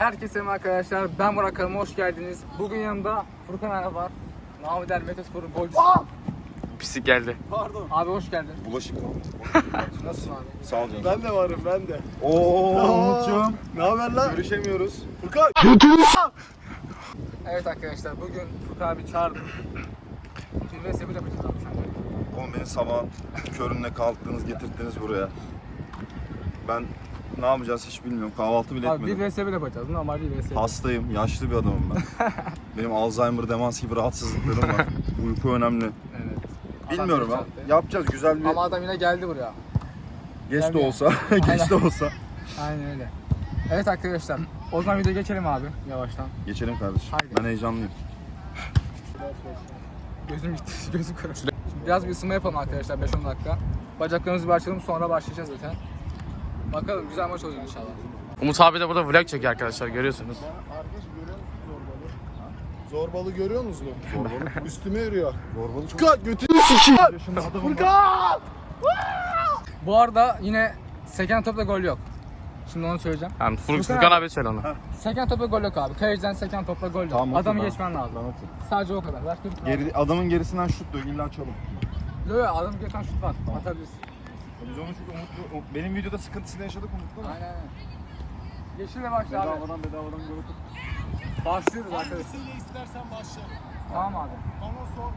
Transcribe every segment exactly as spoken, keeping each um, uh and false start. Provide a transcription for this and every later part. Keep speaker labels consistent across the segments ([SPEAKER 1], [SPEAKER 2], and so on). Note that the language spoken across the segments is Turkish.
[SPEAKER 1] Herkese merhaba arkadaşlar, ben Burak Hanım, hoş geldiniz. Bugün yanımda Furkan abi var. Namı der Metospor'un golcüsü.
[SPEAKER 2] Pislik geldi.
[SPEAKER 3] Pardon.
[SPEAKER 1] Abi hoş geldin.
[SPEAKER 3] Bulaşık mı?
[SPEAKER 1] Nasılsın abi?
[SPEAKER 3] Sağ ol canım.
[SPEAKER 4] Ben de varım ben de.
[SPEAKER 3] Ooo Umut'cum.
[SPEAKER 4] Ne haber lan?
[SPEAKER 3] Görüşemiyoruz.
[SPEAKER 4] Furkan.
[SPEAKER 1] Evet arkadaşlar, bugün Furkan abi çağırdım. Bir ve sebebi yapacağız abi sen.
[SPEAKER 3] Oğlum beni sabah körünle kalktınız getirdiniz buraya. Ben ne yapacağız hiç bilmiyorum. Kahvaltı bile
[SPEAKER 1] Abi bir
[SPEAKER 3] etmedim.
[SPEAKER 1] ve sebebi yapacağız, normal bir ve sebebi.
[SPEAKER 3] Hastayım, yaşlı bir adamım ben. Benim Alzheimer, demans gibi rahatsızlıklarım var. Uyku önemli.
[SPEAKER 1] Evet.
[SPEAKER 3] Bilmiyorum
[SPEAKER 1] Adam
[SPEAKER 3] ha.
[SPEAKER 1] yükseltti.
[SPEAKER 3] Yapacağız güzel bir...
[SPEAKER 1] Ama adam yine geldi buraya.
[SPEAKER 3] Geç de
[SPEAKER 1] Geldi.
[SPEAKER 3] olsa, geç de olsa.
[SPEAKER 1] Aynen öyle. Evet arkadaşlar, o zaman videoya geçelim abi yavaştan.
[SPEAKER 3] Geçelim kardeşim.
[SPEAKER 1] Haydi.
[SPEAKER 3] Ben heyecanlıyım.
[SPEAKER 1] Gözüm gitti, gözüm kırıldı. Şimdi biraz bir ısınma yapalım arkadaşlar, beş on dakika. Bacaklarımızı bir açalım, sonra başlayacağız zaten. Bakalım, güzel maç olacak inşallah.
[SPEAKER 2] Umut abi de burada vlog çekiyor arkadaşlar, görüyorsunuz.
[SPEAKER 4] Arkadaş görüyor musun zorbalı? Zorbalı görüyor musunuz?
[SPEAKER 3] Zorbalı.
[SPEAKER 4] Üstüme yürüyor.
[SPEAKER 3] Zorbalı çok...
[SPEAKER 4] Furkan götünü sikeyim.
[SPEAKER 3] Yaşında adamım var.
[SPEAKER 4] Furkan!
[SPEAKER 1] Bu arada yine seken topla gol yok. Şimdi onu söyleyeceğim.
[SPEAKER 2] Yani Fur
[SPEAKER 1] Furkan
[SPEAKER 2] Furkan
[SPEAKER 1] abi.
[SPEAKER 2] abi söyle onu.
[SPEAKER 1] Seken topla gol yok abi. Kaleciden seken topla gol yok.
[SPEAKER 3] Tamam,
[SPEAKER 1] Adamı
[SPEAKER 3] okey,
[SPEAKER 1] geçmen lazım.
[SPEAKER 3] Ben okey.
[SPEAKER 1] Sadece o kadar. Başka bir şey
[SPEAKER 3] Geri, adamın gerisinden şut diyor, illa çalım.
[SPEAKER 1] yok. Yok, adamı geçen şut var. Atabilirsin.
[SPEAKER 3] Biz onu çünkü Umut'lu, o- benim videoda sıkıntısını yaşadık Umut'la mı?
[SPEAKER 1] Aynen aynen. Yeşille başla abi.
[SPEAKER 3] Bedavadan bedavadan gol atıp.
[SPEAKER 1] Başlıyoruz arkadaşlar.
[SPEAKER 4] Hangisiyle istersen başlayalım.
[SPEAKER 1] Tamam abi.
[SPEAKER 4] Bana sor.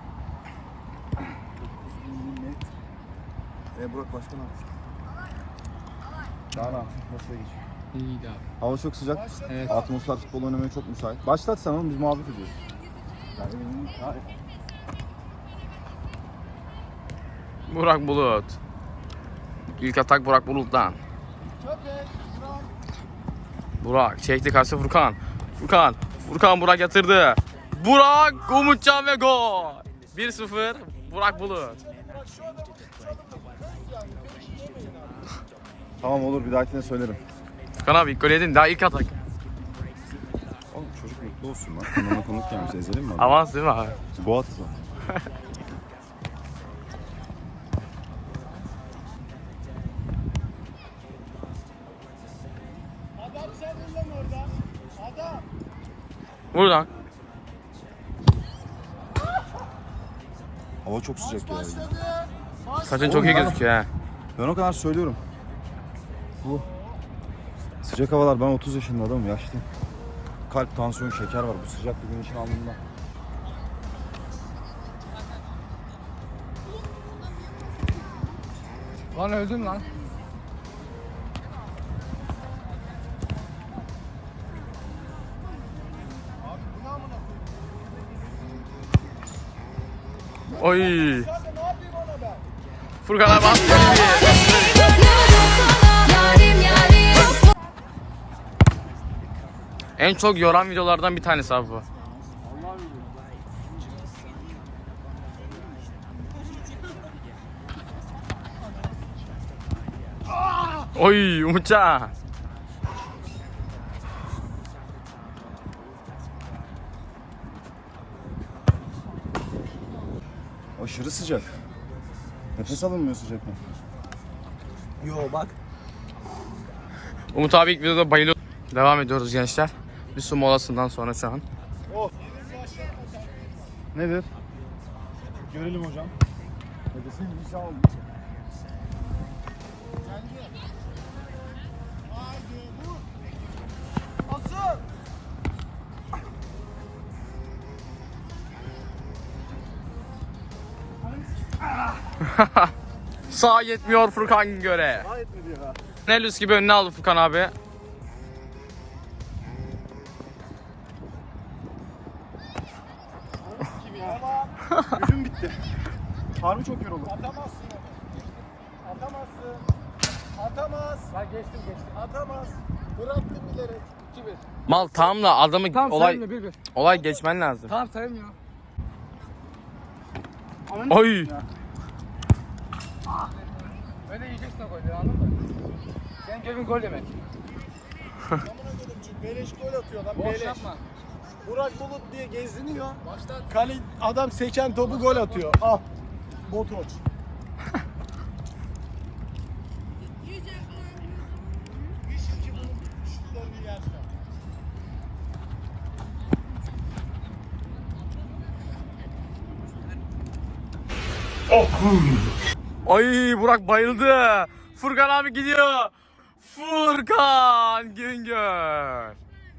[SPEAKER 3] Net. E Burak başkan abi. Daha ne yapayım? Nasıl geçiyor?
[SPEAKER 1] İyiydi abi.
[SPEAKER 3] Hava çok sıcak.
[SPEAKER 1] Evet.
[SPEAKER 3] Atmosfer futbol oynamaya çok müsait. Başlat sen oğlum, biz muhabbet ediyoruz. Yani benim... Ha,
[SPEAKER 2] Burak Bulut. İlk atak Burak Bulut'tan.
[SPEAKER 4] Köpek. Furkan.
[SPEAKER 2] Burak çekti karşı Furkan. Furkan. Furkan Burak yatırdı. Burak, Umutcan ve gol. bir sıfır Burak Bulut.
[SPEAKER 3] Tamam olur, bir dahakine söylerim.
[SPEAKER 2] Furkan abi ilk gol yedin, daha ilk atak.
[SPEAKER 3] Oğlum çocuk mutlu olsun lan. Kanalına konuk gelmiş, ezelim mi? Abi?
[SPEAKER 2] Avans değil mi abi?
[SPEAKER 3] Boğat o.
[SPEAKER 4] Adam sen lan orada. Adam.
[SPEAKER 2] Buradan.
[SPEAKER 3] Hava çok sıcak ya.
[SPEAKER 4] Başladı. Maç
[SPEAKER 2] Saçın çok iyi gözüküyor ha.
[SPEAKER 3] Ben o kadar söylüyorum. Bu sıcak havalar, ben otuz yaşında adamım, yaşlıyım. Kalp, tansiyon, şeker var bu sıcakta, güneşin alnında.
[SPEAKER 1] Lan öldüm lan.
[SPEAKER 2] Oy.
[SPEAKER 4] ne yapayım ona ben?
[SPEAKER 2] Furkan abi attı. En çok yoran videolardan bir tanesi abi bu. Oy Umutcan.
[SPEAKER 3] Aşırı sıcak. Nefes alınmıyor sıcaktan.
[SPEAKER 4] Yo bak.
[SPEAKER 2] Umut abi ilk videoda bayılıyor. Devam ediyoruz gençler. Bir su molasından sonra şu an.
[SPEAKER 3] Nedir?
[SPEAKER 4] Görelim hocam.
[SPEAKER 3] Nefesin bir şey oldu.
[SPEAKER 4] Haydi vur. Asıl.
[SPEAKER 2] Sağ yetmiyor Furkan göre.
[SPEAKER 4] Daha etmedi ya.
[SPEAKER 2] Nelus gibi önüne aldı Furkan abi.
[SPEAKER 4] Tamam.
[SPEAKER 3] Gücüm bitti. Harbi çok yoruldum.
[SPEAKER 4] Atamazsın onu. Atamazsın. Atamaz.
[SPEAKER 1] Ben geçtim geçtim.
[SPEAKER 4] Atamaz. Bıraktım bilerek.
[SPEAKER 1] iki bir.
[SPEAKER 2] Mal tamam da adamı
[SPEAKER 1] Tamam
[SPEAKER 2] olay
[SPEAKER 1] sayılmıyor bir bir.
[SPEAKER 2] olay geçmen lazım.
[SPEAKER 1] Tamam sayılmıyor.
[SPEAKER 2] Oy.
[SPEAKER 1] Böyle yiyeceksin o golleri, anladın mı? Senin görevin gol yemek.
[SPEAKER 4] Amına koydum çünkü beleş gol atıyor lan
[SPEAKER 1] Boş
[SPEAKER 4] beleş.
[SPEAKER 1] yapma.
[SPEAKER 4] Burak Bulut diye geziniyor.
[SPEAKER 1] Başlat.
[SPEAKER 4] Kale adam seken topu gol atıyor. Al. Botoç. Bir şey ki bunun şutlarını yersen.
[SPEAKER 2] Ay Burak bayıldı. Furkan abi gidiyor. Furkan Güngör.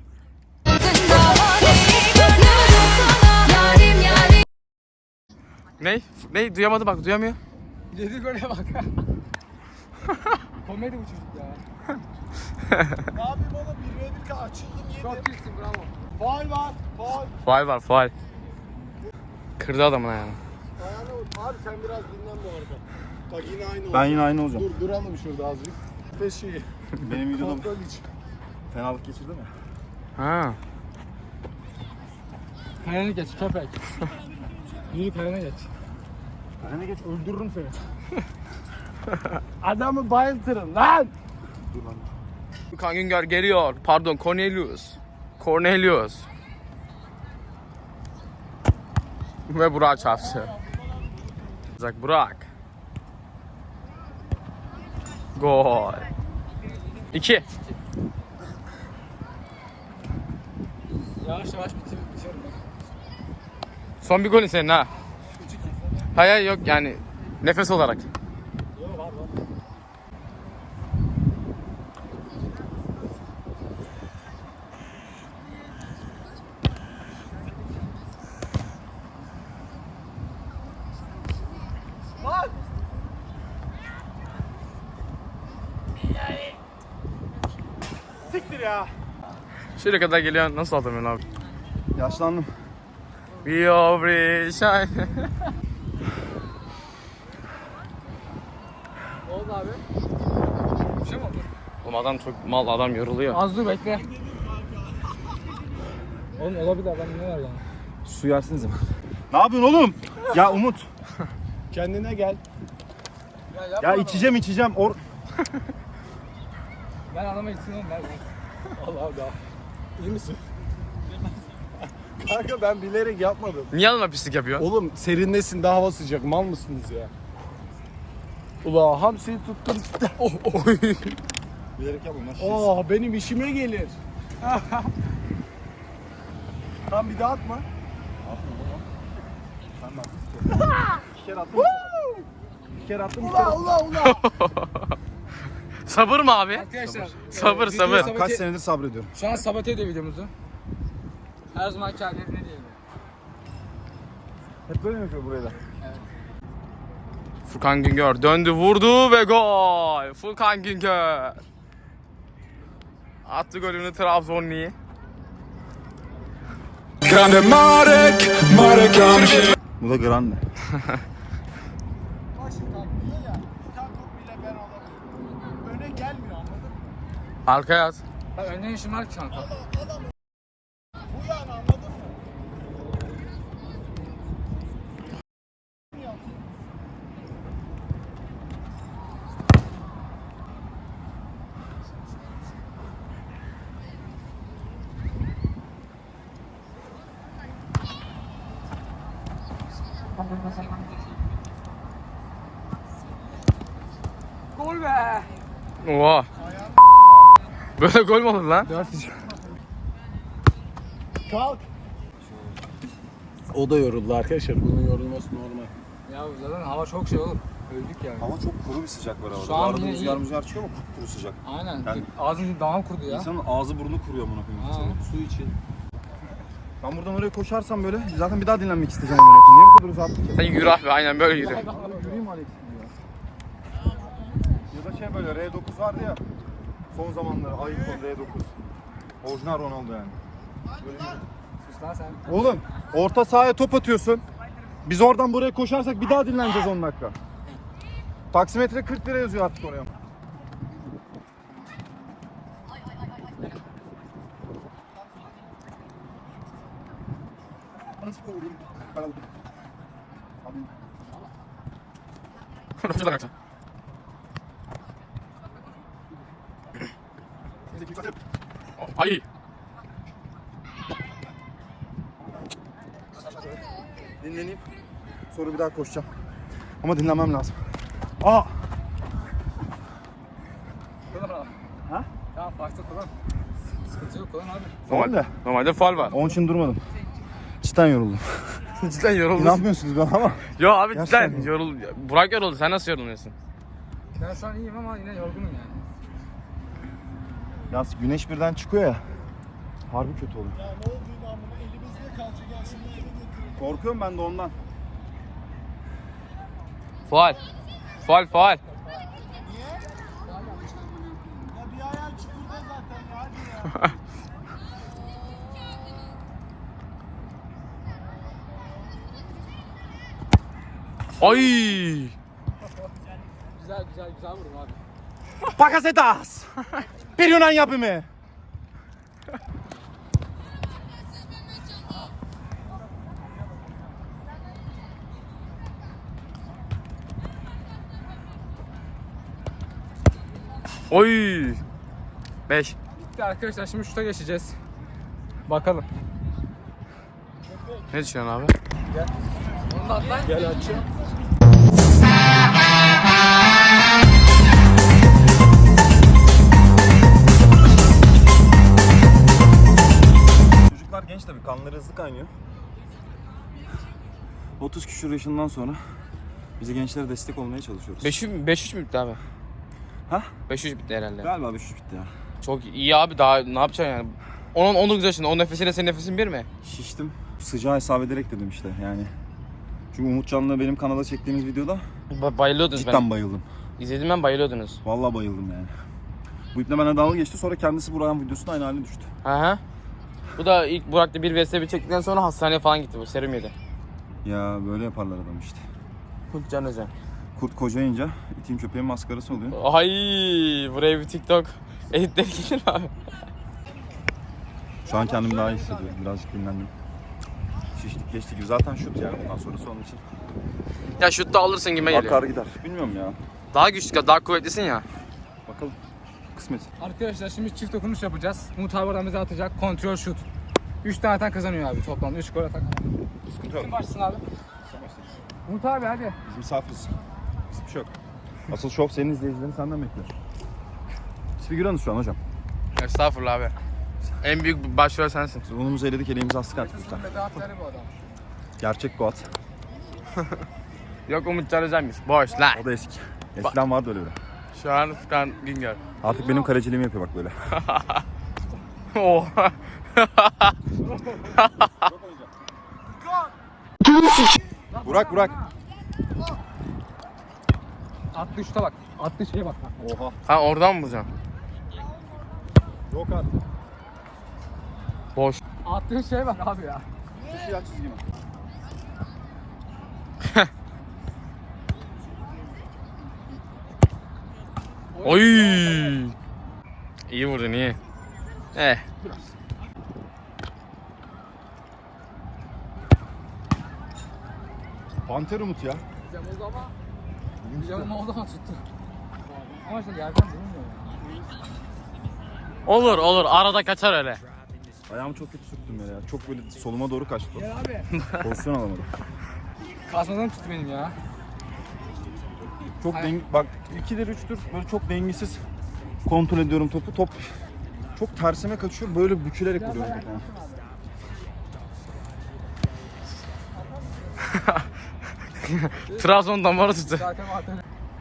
[SPEAKER 2] Ne? Ne? Duyamadı bak, duyamıyor.
[SPEAKER 1] Yedi gole bak. Komedi bu çocuk ya.
[SPEAKER 4] Ne yapayım oğlum? Bir ve bir açıldım yedim.
[SPEAKER 1] Çok iyisin, bravo.
[SPEAKER 4] Faul var. Faul.
[SPEAKER 2] Faul var, faul. Kırdı adamın ayağını.
[SPEAKER 4] Ayağına vur. Abi sen biraz dinlen bu arada. Bak yine aynı oldu.
[SPEAKER 3] Ben yine aynı olacağım.
[SPEAKER 4] Dur duralım şurada azıcık. Peşi.
[SPEAKER 3] Benim videoda
[SPEAKER 4] Kontrol iç.
[SPEAKER 3] fenalık geçirdi mi?
[SPEAKER 2] Ha.
[SPEAKER 1] Kalene geç köpek. Yürü kalene geç.
[SPEAKER 3] Kalene geç öldürürüm seni.
[SPEAKER 4] Adamı bayıltırım lan.
[SPEAKER 3] Dur lan.
[SPEAKER 2] Furkan Güngör geliyor. Pardon, Cornelius. Cornelius. Ve Burak çarptı. Burak, Burak. Gol. İki.
[SPEAKER 1] Yavaş yavaş bitir, bitiyorum ben.
[SPEAKER 2] Son bir golün senin ha. Hayır hayır yok yani nefes olarak.
[SPEAKER 1] Yok var var. Lan!
[SPEAKER 4] Siktir ya.
[SPEAKER 2] Şuraya kadar geliyor, nasıl atamıyorsun abi?
[SPEAKER 3] Yaşlandım.
[SPEAKER 2] We all shine.
[SPEAKER 1] Ne oldu abi? Bir şey mi oldu?
[SPEAKER 2] Oğlum adam çok mal, adam yoruluyor.
[SPEAKER 1] Az dur bekle. Oğlum olabilir, adam ne var yani?
[SPEAKER 3] Su yersiniz mi? Ne yapıyorsun oğlum? Ya Umut.
[SPEAKER 4] Kendine gel.
[SPEAKER 1] Ya, yapma
[SPEAKER 3] Ya
[SPEAKER 1] adamı.
[SPEAKER 3] içeceğim içeceğim. Or
[SPEAKER 1] Ben adama gitsin oğlum, ver.
[SPEAKER 4] Allah Allah. İyi misin? Kanka ben bilerek yapmadım.
[SPEAKER 2] Niye adama pislik yapıyor?
[SPEAKER 4] Oğlum serinlesin, daha hava sıcak. Mal mısınız ya? Ula hamsiyi tuttum. Oh, oh.
[SPEAKER 3] bilerek yapma lan.
[SPEAKER 4] Oh, benim işime gelir. Tam bir daha atma.
[SPEAKER 3] Bir kere attım. Bir kere attım.
[SPEAKER 4] Ula ula ula.
[SPEAKER 2] Sabır mı abi?
[SPEAKER 1] Arkadaşlar.
[SPEAKER 2] Sabır,
[SPEAKER 1] e,
[SPEAKER 2] sabır.
[SPEAKER 1] videoyu sabote-
[SPEAKER 3] Kaç senedir sabrediyorum.
[SPEAKER 1] Şu an sabote ediyor videomuzu. Her zamanki halleri ne diyelim.
[SPEAKER 3] Hep böyle mi yapıyor buraya da?
[SPEAKER 2] Furkan Güngör döndü, vurdu ve gol. Furkan Güngör. Attı golünü Trabzonlu.
[SPEAKER 5] Grande Marek, Marek Hamšík.
[SPEAKER 3] Bu da grande.
[SPEAKER 4] Başım kalkmıyor ya. Bir tane top bile ben alamıyorum. Öne gelmiyor, anladın mı?
[SPEAKER 2] Arkaya at.
[SPEAKER 1] Bak önden işim var ki kanka.
[SPEAKER 4] Bu yani, anladın mı?
[SPEAKER 1] Gol be!
[SPEAKER 2] Oha. Böyle gol mü olur lan?
[SPEAKER 1] dört üç.
[SPEAKER 4] Kalk. O da yoruldu arkadaşlar. Bunun yorulması normal.
[SPEAKER 1] Ya zaten hava çok şey oğlum. Öldük yani.
[SPEAKER 3] Ama çok kuru bir sıcak var havada.
[SPEAKER 1] Şu an
[SPEAKER 3] Arada
[SPEAKER 1] yine
[SPEAKER 3] rüzgar
[SPEAKER 1] iyi.
[SPEAKER 3] rüzgar çıkıyor ama kuru sıcak.
[SPEAKER 1] Aynen.
[SPEAKER 3] Yani-
[SPEAKER 1] Ağzın damağım kurudu ya.
[SPEAKER 3] İnsanın ağzı burnu kuruyor amına
[SPEAKER 1] Ha.
[SPEAKER 3] koyayım. Su için. Ben buradan oraya koşarsam böyle zaten bir daha dinlenmek isteyeceğim amına koyayım. Niye bu kadar uzattık ki?
[SPEAKER 2] Sen yürü abi, aynen böyle yürü.
[SPEAKER 3] Yürüyeyim Alex gibi ya. Ya da şey böyle R dokuz vardı ya. Son zamanları iPhone R dokuz. Orijinal Ronaldo yani.
[SPEAKER 1] Sus lan sen.
[SPEAKER 3] Oğlum orta sahaya top atıyorsun. Biz oradan buraya koşarsak bir daha dinleneceğiz on dakika. Taksimetre kırk lira yazıyor artık oraya.
[SPEAKER 2] Şurada kaçın. Ay.
[SPEAKER 3] Dinleneyim. Sonra bir daha koşacağım. Ama dinlenmem lazım. Aa!
[SPEAKER 1] Kullan.
[SPEAKER 3] Ha?
[SPEAKER 1] Tamam farklı kullan. Sıkıntı yok kullan abi.
[SPEAKER 3] Normalde.
[SPEAKER 2] Normalde faul var.
[SPEAKER 3] Onun için durmadım. Cidden yoruldum.
[SPEAKER 2] cidden yoruldun.
[SPEAKER 3] İnanmıyorsunuz bana ama.
[SPEAKER 2] Yo abi
[SPEAKER 3] Gerçekten
[SPEAKER 2] cidden
[SPEAKER 3] mi?
[SPEAKER 2] yorul. Burak yoruldu. Sen nasıl yoruluyorsun?
[SPEAKER 1] Ben şu an iyiyim ama yine yorgunum yani.
[SPEAKER 3] Ya güneş birden çıkıyor ya. Harbi kötü oluyor.
[SPEAKER 4] Ya ne olduğunu amına elimizde kalacak ya şimdi eve götürelim.
[SPEAKER 3] Korkuyorum ben de ondan.
[SPEAKER 2] Faal. Faal faal.
[SPEAKER 4] Ya bir ayağın çukurda zaten ya hadi ya.
[SPEAKER 2] Ay.
[SPEAKER 1] Güzel güzel güzel vurdum abi.
[SPEAKER 3] Bakasetas! Bir Yunan yapımı.
[SPEAKER 2] Oy. beş.
[SPEAKER 1] Bitti arkadaşlar, şimdi şuta geçeceğiz. Bakalım.
[SPEAKER 2] Ne düşünüyorsun abi?
[SPEAKER 1] Onu da atlayın.
[SPEAKER 4] Gel açayım.
[SPEAKER 3] Çocuklar genç tabii, kanları hızlı kaynıyor. otuz küsur yaşından sonra bize gençlere destek olmaya çalışıyoruz.
[SPEAKER 2] beş üç mü bitti abi?
[SPEAKER 3] Ha?
[SPEAKER 2] beş üç bitti herhalde.
[SPEAKER 3] Galiba beş üç bitti ya.
[SPEAKER 2] Çok iyi abi, daha ne yapacaksın yani? Onun on dokuz yaşında, o nefesiyle senin nefesin bir mi?
[SPEAKER 3] Şiştim. Sıcağı hesap ederek dedim işte yani. Çünkü Umutcan'la benim kanala çektiğimiz videoda
[SPEAKER 2] Ba- bayılıyordunuz
[SPEAKER 3] cidden
[SPEAKER 2] ben.
[SPEAKER 3] bayıldım.
[SPEAKER 2] İzledim ben, bayılıyordunuz.
[SPEAKER 3] Vallahi bayıldım yani. Bu iple bana dalga geçti, sonra kendisi Burak'ın videosunda aynı haline düştü.
[SPEAKER 2] Hı hı. Bu da ilk Burak'ta bir vs bir çektikten sonra hastaneye falan gitti, bu serum yedi.
[SPEAKER 3] Ya böyle yaparlar adam işte.
[SPEAKER 2] Can Özen.
[SPEAKER 3] Kurt kocayınca itin köpeğin maskarası oluyor.
[SPEAKER 2] Ay, buraya bir TikTok editleri gelir mi abi?
[SPEAKER 3] Şu an kendimi daha iyi hissediyorum. Birazcık dinlendim. Şiştik geçtik gibi. Zaten şut yani bundan sonrası onun için.
[SPEAKER 2] Ya şutta alırsın gibi geliyor.
[SPEAKER 3] Akar gider. Bilmiyorum ya.
[SPEAKER 2] Daha güçlü, daha kuvvetlisin ya.
[SPEAKER 3] Bakalım. Kısmet.
[SPEAKER 1] Arkadaşlar şimdi çift dokunuş yapacağız. Umut abi aramıza atacak. Kontrol şut. üç tane atan kazanıyor abi toplamda. üç gol atan.
[SPEAKER 3] Sıkıntı yok.
[SPEAKER 1] Kim başlasın abi? Umut abi hadi.
[SPEAKER 3] Biz misafiriz. Hiçbir şey yok. Asıl şov senin izleyicilerin senden bekliyor. Biz figüranız şu an hocam.
[SPEAKER 2] Estağfurullah abi. En büyük başrol sensin.
[SPEAKER 3] Biz unumuzu eledik, eleğimizi astık artık.
[SPEAKER 1] Bizim bedahatları bu adam.
[SPEAKER 3] Gerçek Goat.
[SPEAKER 2] Yok, Umut Can Özen'miş. Boş lan.
[SPEAKER 3] O da eski. Eskiden vardı öyle bir.
[SPEAKER 2] Şu an Furkan Güngör.
[SPEAKER 3] Artık benim kaleciliğimi yapıyor bak böyle.
[SPEAKER 2] Oha.
[SPEAKER 3] Burak Burak.
[SPEAKER 1] Attığı şuta bak. Attığı şeye bak.
[SPEAKER 3] Oha.
[SPEAKER 2] Ha, oradan mı vuracaksın?
[SPEAKER 3] Yok artık.
[SPEAKER 2] Boş.
[SPEAKER 1] Attığın şeye bak abi ya.
[SPEAKER 3] Şu siyah çizgi mi?
[SPEAKER 2] Oy. İyi vurdun, iyi. Eh.
[SPEAKER 3] Panter Umut ya.
[SPEAKER 1] Güzel oldu ama. Güzel oldu ama tuttu. Ama işte yerden durmuyor ya.
[SPEAKER 2] Olur olur, arada kaçar öyle.
[SPEAKER 3] Ayağımı çok kötü sürttüm yere ya. Çok böyle soluma doğru kaçtı.
[SPEAKER 1] Gel abi.
[SPEAKER 3] Pozisyon alamadım.
[SPEAKER 1] Kasmadan tuttu benim ya.
[SPEAKER 3] Çok
[SPEAKER 1] Ay-
[SPEAKER 3] deng bak ikidir üçtür böyle çok dengesiz kontrol ediyorum topu. Top çok tersime kaçıyor. Böyle bükülerek vuruyorum topu.
[SPEAKER 2] Trabzon damarı tuttu.
[SPEAKER 1] Zaten zaten.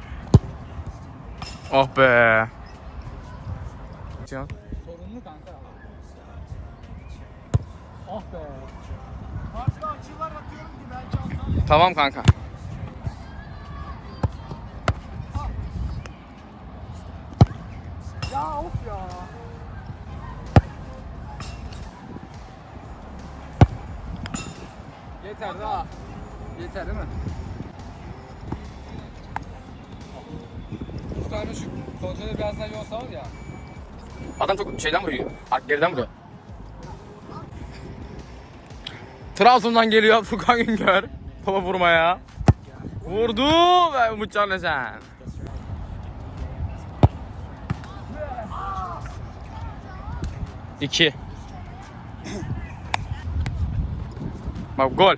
[SPEAKER 2] Oh be.
[SPEAKER 1] Sorunlu kanka. Oh be.
[SPEAKER 4] Farklı açılar atıyorum ki belki atar.
[SPEAKER 2] Tamam kanka.
[SPEAKER 1] Ya of ya. Yeter daha. Yeter değil mi? Şu tane şu kontrolü biraz daha iyi olsa var ya.
[SPEAKER 2] Adam çok şeyden vuruyor. Ark geriden vuruyor. Trabzon'dan geliyor Furkan Güngör. Topa vurmaya. Vurdu ve Umutcan Özen. İki. Bak gol.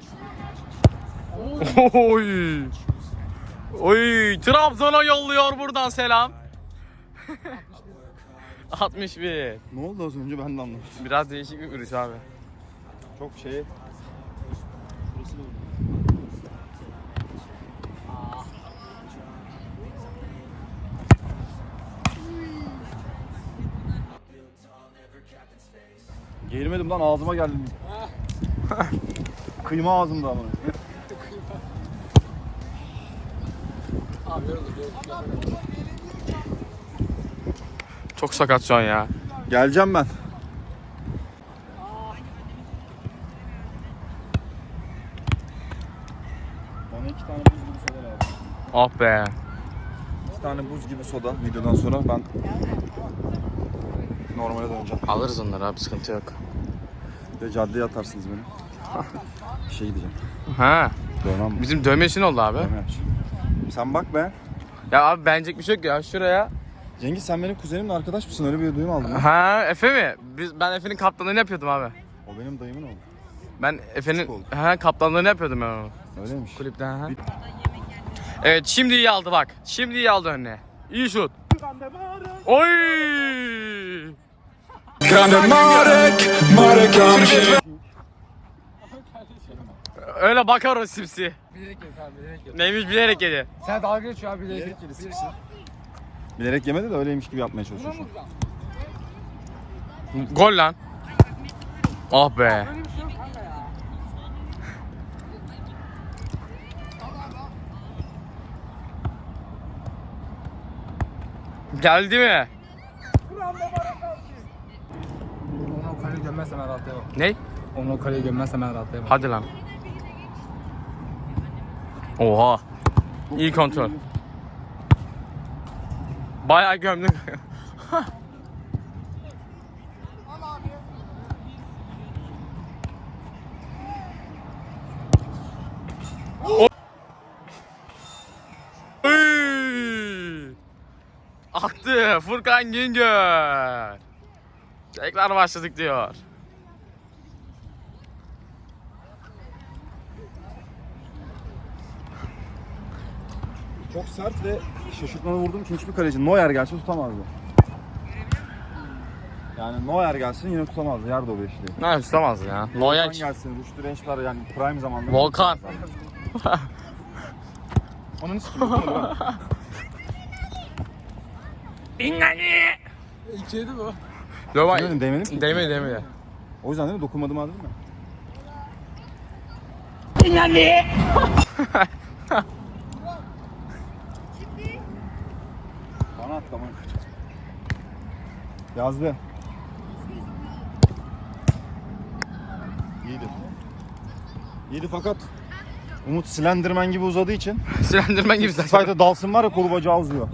[SPEAKER 2] Oy. Oy. Trabzon'a yolluyor buradan selam. altmış bir.
[SPEAKER 3] Ne oldu az önce ben de anlamadım.
[SPEAKER 2] Biraz değişik bir vuruş abi.
[SPEAKER 3] Çok şey Geğirmedim lan, ağzıma geldi. Kıyma ağzımda ama.
[SPEAKER 1] Abi yoruldu, yoruldu.
[SPEAKER 2] Çok sakat şu an ya.
[SPEAKER 3] Geleceğim ben. Bana iki tane buz gibi soda lazım.
[SPEAKER 2] Ah be.
[SPEAKER 3] İki tane buz gibi soda videodan sonra ben normale döneceğim.
[SPEAKER 2] Alırız onları abi, sıkıntı yok.
[SPEAKER 3] Ve caddeye atarsınız beni. Bir şey gideceğim.
[SPEAKER 2] Ha.
[SPEAKER 3] Dövmem mi?
[SPEAKER 2] Bizim dövme işin oldu abi.
[SPEAKER 3] Dövme yapacağım. Sen bak be.
[SPEAKER 2] Ya abi beğenecek bir şey yok ya, şuraya.
[SPEAKER 3] Cengiz, sen benim kuzenimle arkadaş mısın? Öyle bir duyum aldım. Ben.
[SPEAKER 2] Ha, Efe mi? Biz, ben Efe'nin kaptanlığını yapıyordum abi.
[SPEAKER 3] O benim dayımın oğlu.
[SPEAKER 2] Ben Efe'nin
[SPEAKER 3] Küçük oldu.
[SPEAKER 2] ha, kaptanlığını yapıyordum ben onu.
[SPEAKER 3] Öyleymiş.
[SPEAKER 2] Kulüpten ha. Evet, şimdi iyi aldı bak. Şimdi iyi aldı önüne. İyi şut. Oy!
[SPEAKER 5] Grande Marek, Marek Hamšík.
[SPEAKER 2] Öyle bakar o simsi.
[SPEAKER 1] Bilerek yedi abi, bilerek yedi.
[SPEAKER 2] Neymiş bilerek yedi.
[SPEAKER 1] Sen dalga geçiyor abi, bilerek
[SPEAKER 3] Bilerek
[SPEAKER 1] yedi.
[SPEAKER 3] yedi sipsi. Bilerek yemedi de öyleymiş gibi yapmaya çalışıyor şu an.
[SPEAKER 2] Gol lan. Ah be. Geldi mi?
[SPEAKER 1] Onu o kaleyi gömmezsem ben rahatlayamam.
[SPEAKER 2] Ne?
[SPEAKER 1] Onu o kaleyi gömmezsem ben rahatlayamam.
[SPEAKER 2] Hadi lan. Oha. İyi kontrol. Bayağı gömdük. Oy! Attı Furkan Güngör. Tekrar başladık diyor.
[SPEAKER 3] Çok sert ve şaşırtmalı vurduğum için hiçbir kaleci Neuer gelse tutamazdı. Yani Neuer gelsin yine tutamazdı. Yerde o beşliği.
[SPEAKER 2] Ne tutamaz ya.
[SPEAKER 3] Volkan
[SPEAKER 2] Loyak.
[SPEAKER 3] gelsin, Rüştü Rençler yani prime zamanında.
[SPEAKER 2] Volkan.
[SPEAKER 3] Onun için
[SPEAKER 1] İkiydi bu.
[SPEAKER 2] Yok
[SPEAKER 3] Demedim, değmedim ki.
[SPEAKER 2] Değmedi değmedi.
[SPEAKER 3] O yüzden değil mi? Dokunmadım abi değil mi? Bana at tamam. Yazdı. İyiydi. İyiydi fakat Umut Slenderman gibi uzadığı için
[SPEAKER 2] Slenderman gibi zaten.
[SPEAKER 3] Fight'a dalsın var ya, kolu bacağı uzuyor.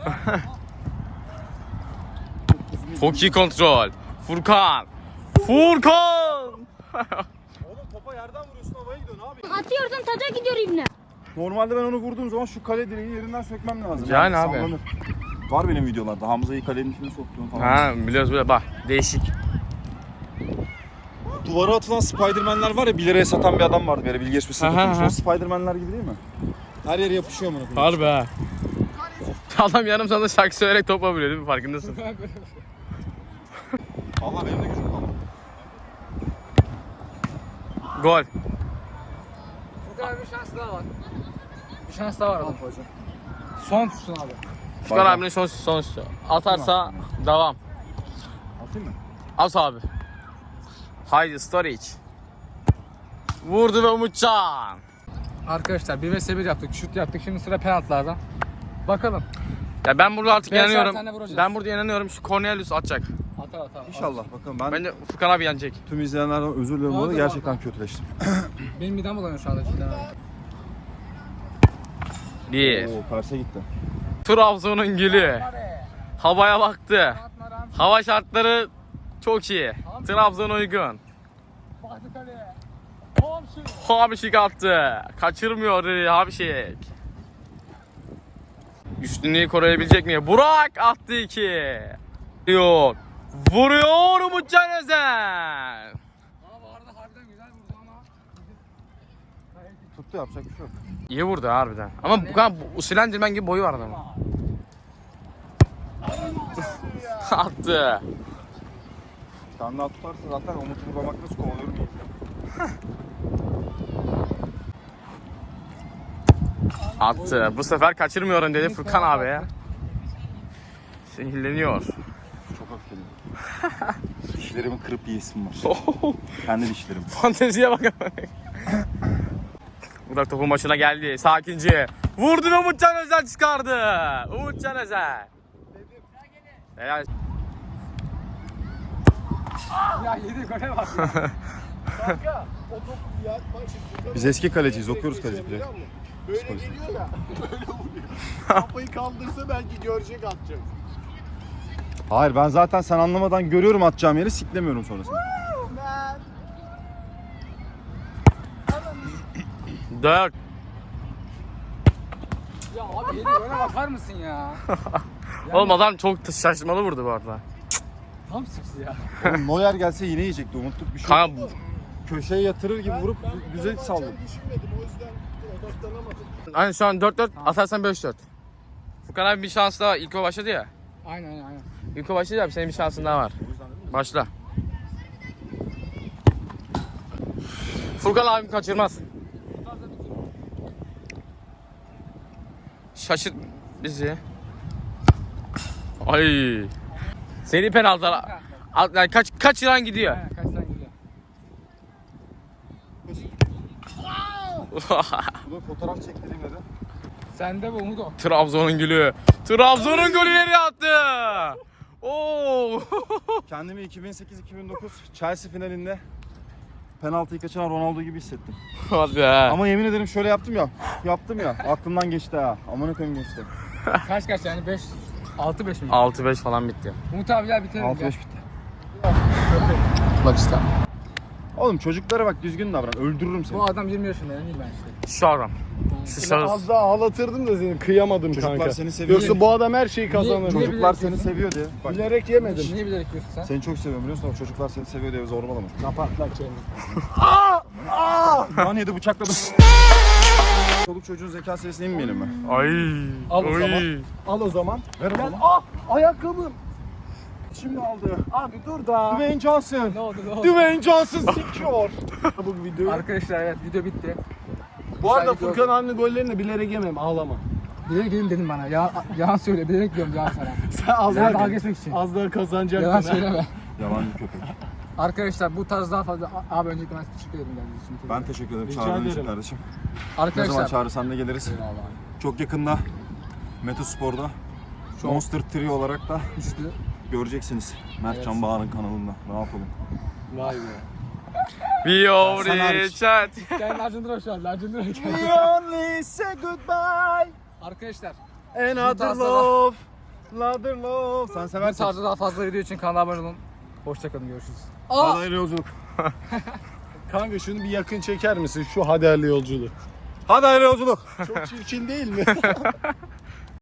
[SPEAKER 2] Çok iyi kontrol. Furkan. Furkan.
[SPEAKER 3] Oğlum topa yerden vuruyorsun, havaya gidiyorsun abi.
[SPEAKER 6] Atıyorsun taca gidiyor ibne.
[SPEAKER 3] Normalde ben onu vurduğum zaman şu kale direği yerinden sökmem lazım.
[SPEAKER 2] Yani abi.
[SPEAKER 3] sallanır. Var benim videolarda Hamza'yı kalenin içine soktuğum falan.
[SPEAKER 2] Ha biliyoruz böyle bak değişik.
[SPEAKER 3] Duvara atılan Spiderman'ler var ya, bir liraya satan bir adam vardı, böyle bilgi geçmesi
[SPEAKER 2] Aha,
[SPEAKER 3] tutmuş.
[SPEAKER 2] aha.
[SPEAKER 3] O Spiderman'ler gibi değil mi? Her yere yapışıyor amına koyayım.
[SPEAKER 2] Harbi ha. Adam yarım sanda şarkı söyleyerek top vuruyor değil mi, farkındasın?
[SPEAKER 3] Valla benim de gücüm kalmadı.
[SPEAKER 2] Gol.
[SPEAKER 1] Bu kadar bir şans daha var. Bir şans daha var adam. Son tutsun abi.
[SPEAKER 2] Furkan abinin son son şutu. Atarsa devam.
[SPEAKER 3] Atayım mı?
[SPEAKER 2] As abi. Haydi Storic. Vurdu ve Umutcan.
[SPEAKER 1] Arkadaşlar bir vs bir yaptık, şut yaptık. Şimdi sıra penaltılardan. Bakalım.
[SPEAKER 2] Ya ben burada artık
[SPEAKER 1] Beşer
[SPEAKER 2] inanıyorum.
[SPEAKER 1] tane vuracağız.
[SPEAKER 2] Ben burada inanıyorum, şu Cornelius atacak.
[SPEAKER 1] Atar atar.
[SPEAKER 3] İnşallah bakalım. Ben
[SPEAKER 2] Bence Furkan abi yenecek.
[SPEAKER 3] tüm izleyenlerden özür diliyorum, bu arada
[SPEAKER 1] Oldu,
[SPEAKER 3] gerçekten kötüleştim.
[SPEAKER 1] Benim midem bulanıyor şu anda cidden abi.
[SPEAKER 2] Bir.
[SPEAKER 3] Oo, terse gitti.
[SPEAKER 2] Trabzon'un gülü. Havaya baktı. Hava şartları çok iyi. Trabzon uygun.
[SPEAKER 1] Baktı kaleye.
[SPEAKER 2] Hamşik attı. Kaçırmıyor Hamşik. Üstünlüğü koruyabilecek mi? Burak attı iki. Vuruyor. Vuruyor Umutcan Özen.
[SPEAKER 1] Abi arada harbiden güzel vurdu ama.
[SPEAKER 3] Tuttu, yapacak bir şey yok.
[SPEAKER 2] İyi vurdu harbiden. Ama bu kadar bu Slenderman gibi boyu var adamın. Attı.
[SPEAKER 3] Bir tane daha tutarsa zaten Umut'u vurmak nasıl kovalıyorum.
[SPEAKER 2] Attı. Bu sefer kaçırmıyorum dedi Furkan abi ya. Sinirleniyor.
[SPEAKER 3] Çok öfkeliyim. Dişlerimi kırıp yiyesim var. Kendi dişlerim.
[SPEAKER 2] Fanteziye bak. Burak topun başına geldi. Sakince. Vurdu ve Umutcan Özel çıkardı. Umutcan Özel. Helal.
[SPEAKER 1] Ya yedi gole bak ya.
[SPEAKER 4] Kanka o topu ya bak şimdi.
[SPEAKER 3] Biz eski kaleciyiz, okuyoruz kaleci bile.
[SPEAKER 4] Böyle
[SPEAKER 3] Psikolojisi.
[SPEAKER 4] geliyor ya. Böyle vuruyor. Kafayı kaldırsa belki görecek atacak.
[SPEAKER 3] Hayır, ben zaten sen anlamadan görüyorum atacağım yeri, siklemiyorum sonrasında.
[SPEAKER 2] Dört.
[SPEAKER 1] Ya abi yedi gole bakar mısın ya?
[SPEAKER 2] Oğlum adam çok şaşırmalı vurdu bu arada.
[SPEAKER 1] Tam sıksız ya.
[SPEAKER 3] Oğlum Neuer gelse yine yiyecekti, umutluk bir şey.
[SPEAKER 2] Kanka
[SPEAKER 3] Köşeye yatırır gibi vurup güzel salladı.
[SPEAKER 4] Düşünmedim o yüzden odaklanamadım.
[SPEAKER 2] hani şu an dört dört atarsan beş dört. Furkan abi bir şans daha. İlk o başladı ya.
[SPEAKER 1] Aynen aynen. aynen.
[SPEAKER 2] İlk o başladı ya, senin bir şansın daha var. Başla. Furkan abim kaçırmaz. Şaşırt bizi. Ay. Seni penaltılar. Al- Yani kaç kaçıran gidiyor.
[SPEAKER 1] Aynen kaç tane gidiyor.
[SPEAKER 3] Bu da fotoğraf çektireyim dedi.
[SPEAKER 1] Sende bu Umut o.
[SPEAKER 2] Trabzon'un gülü. Trabzon'un golleri attı. Oo.
[SPEAKER 3] Kendimi iki bin sekiz iki bin dokuz Chelsea finalinde penaltıyı kaçıran Ronaldo gibi hissettim.
[SPEAKER 2] Hadi be.
[SPEAKER 3] Ama yemin ederim şöyle yaptım ya. Yaptım ya. Aklımdan geçti ha. Amına koyayım geçti.
[SPEAKER 1] Kaç kaç yani beş altı beş mi?
[SPEAKER 2] altı beş falan bitti.
[SPEAKER 1] Umut abi gel bitirelim.
[SPEAKER 3] altı
[SPEAKER 1] gel.
[SPEAKER 3] beş bitti.
[SPEAKER 1] Bak işte.
[SPEAKER 3] Oğlum çocuklara bak, düzgün davran. Öldürürüm seni.
[SPEAKER 1] Bu adam yirmi yaşında değil ben işte.
[SPEAKER 2] Şu adam. Şu
[SPEAKER 4] Az
[SPEAKER 2] şahıs.
[SPEAKER 4] daha ağlatırdım da seni kıyamadım
[SPEAKER 3] Çocuklar
[SPEAKER 4] kanka.
[SPEAKER 3] seni seviyor.
[SPEAKER 4] Yoksa bu adam her şeyi kazanır.
[SPEAKER 1] Niye-
[SPEAKER 3] Çocuklar
[SPEAKER 1] bilerek
[SPEAKER 3] seni
[SPEAKER 1] diyorsun?
[SPEAKER 3] seviyor diye. Bak,
[SPEAKER 4] Bilerek yemedim.
[SPEAKER 1] Niye bilerek diyorsun sen?
[SPEAKER 3] seni çok seviyorum biliyorsun ama çocuklar seni seviyor diye zorbalama.
[SPEAKER 4] Kapat lan çeneni.
[SPEAKER 3] Lan yedi bıçakladım. Çoluk çocuğun zeka seviyesine inmeyelim mi?
[SPEAKER 2] Ay.
[SPEAKER 4] Al o
[SPEAKER 2] Oy.
[SPEAKER 4] zaman. Al o zaman.
[SPEAKER 3] Ver o
[SPEAKER 4] Gel.
[SPEAKER 3] zaman.
[SPEAKER 4] Ah ayakkabım.
[SPEAKER 3] Şimdi aldı.
[SPEAKER 4] Abi dur da.
[SPEAKER 3] Dwayne Johnson.
[SPEAKER 1] Ne oldu ne oldu?
[SPEAKER 4] Dwayne Johnson sikiyor. Bu video.
[SPEAKER 1] Arkadaşlar evet video bitti.
[SPEAKER 4] Bu arada
[SPEAKER 1] Güzel
[SPEAKER 4] Furkan abinin gollerini bilerek yemem ağlama.
[SPEAKER 1] Bilerek gelin dedim bana. Ya, yalan söyle bilerek diyorum yalan sana.
[SPEAKER 4] Sen az
[SPEAKER 1] Sen dalga
[SPEAKER 4] daha,
[SPEAKER 1] geçmek için.
[SPEAKER 4] az daha kazanacaktın.
[SPEAKER 1] Yalan
[SPEAKER 4] ha.
[SPEAKER 1] söyleme.
[SPEAKER 3] Yalancı köpek.
[SPEAKER 1] Arkadaşlar bu tarz daha fazla... Abi öncelikle ben size teşekkür ederim geldiğiniz için.
[SPEAKER 3] Ben teşekkür ederim
[SPEAKER 4] Rica
[SPEAKER 3] çağırdığın için
[SPEAKER 4] ederim.
[SPEAKER 3] kardeşim. Ne zaman
[SPEAKER 1] Arkadaşlar...
[SPEAKER 3] çağırırsan da geliriz. Çok yakında Meta Spor'da Monster Trio olarak da
[SPEAKER 1] Üçlü.
[SPEAKER 3] göreceksiniz. Mert Can Bağır'ın kanalında. Ne yapalım?
[SPEAKER 4] Vay be.
[SPEAKER 2] We
[SPEAKER 3] Sen
[SPEAKER 2] over
[SPEAKER 3] hariç.
[SPEAKER 2] chat.
[SPEAKER 1] Gel Legendary şu an. Legendary gel.
[SPEAKER 3] only say goodbye.
[SPEAKER 1] Arkadaşlar
[SPEAKER 3] Another
[SPEAKER 1] tarzda da-
[SPEAKER 3] love. Another love. Sen
[SPEAKER 1] bu
[SPEAKER 3] seversin.
[SPEAKER 1] tarzda daha fazla video için kanala abone olun. Hoşçakalın görüşürüz.
[SPEAKER 3] Hadi hayırlı yolculuk.
[SPEAKER 4] Kanka şunu bir yakın çeker misin? Şu haderli yolculuğu.
[SPEAKER 3] Hadi hayırlı yolculuk.
[SPEAKER 4] Çok çirkin değil mi?